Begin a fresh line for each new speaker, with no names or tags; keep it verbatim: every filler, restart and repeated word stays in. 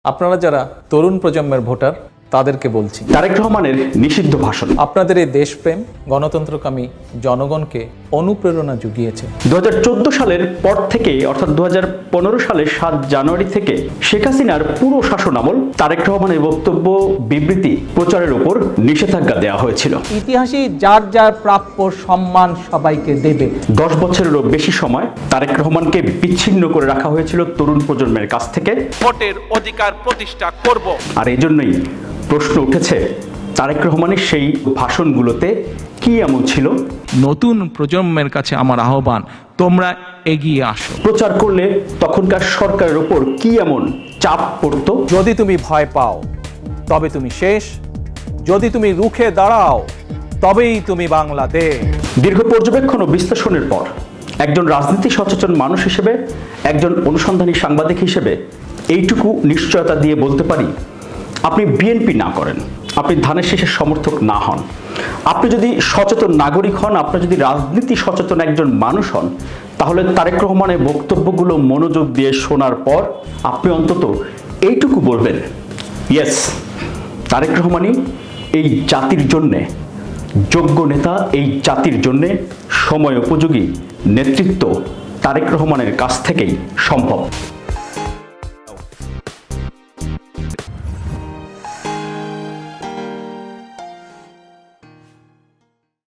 আপনারা যারা তরুণ প্রজন্মের ভোটার তাদেরকে বলছি,
তারেক রহমানের নিষিদ্ধ ভাষণ
আপনাদের এই দেশপ্রেম গণতন্ত্রকামী জনগণকে অনুপ্রেরণা জুগিয়েছে।
দু হাজার চোদ্দ সালের পর থেকে অর্থাৎ দু হাজার পনেরো সালের সাত জানুয়ারি থেকে শেখ হাসিনার পুরো শাসন আমল তারেক রহমানের বক্তব্য বিবৃতি প্রচারের উপর নিষেধাজ্ঞা দেওয়া হয়েছিল।
ইতিহাসে যার যার প্রাপ্য সম্মান সবাইকে দেবে।
দশ বছরেরও বেশি সময় তারেক রহমানকে বিচ্ছিন্ন করে রাখা হয়েছিল তরুণ প্রজন্মের কাছ থেকে।
ভোটের অধিকার প্রতিষ্ঠা করব।
আর এই জন্যই প্রশ্ন উঠেছে, তারেক রহমানের সেই ভাষণগুলোতে কি এমন ছিল?
নতুন প্রজন্মের কাছে আমার আহ্বান, তোমরা এগিয়ে আসো।
প্রচার করলে তখনকার সরকারের ওপর কি এমন চাপ পড়তো?
যদি তুমি ভয় পাও তবে তুমি শেষ, যদি তুমি রুখে দাঁড়াও তবেই তুমি বাংলাদেশ।
দীর্ঘ পর্যবেক্ষণ ও বিশ্লেষণের পর একজন রাজনীতি সচেতন মানুষ হিসেবে, একজন অনুসন্ধানী সাংবাদিক হিসেবে এইটুকু নিশ্চয়তা দিয়ে বলতে পারি, আপনি বিএনপি না করেন, আপনি ধানের শীষের সমর্থক না হন, আপনি যদি সচেতন নাগরিক হন, আপনি যদি রাজনীতি সচেতন একজন মানুষ হন, তাহলে তারেক রহমানের বক্তব্যগুলো মনোযোগ দিয়ে শোনার পর আপনি অন্তত এইটুকু বলবেন, ইয়েস, তারেক রহমানই এই জাতির জন্যে যোগ্য নেতা, এই জাতির জন্যে সময় উপযোগী নেতৃত্ব তারেক রহমানের কাছ থেকেই সম্ভব।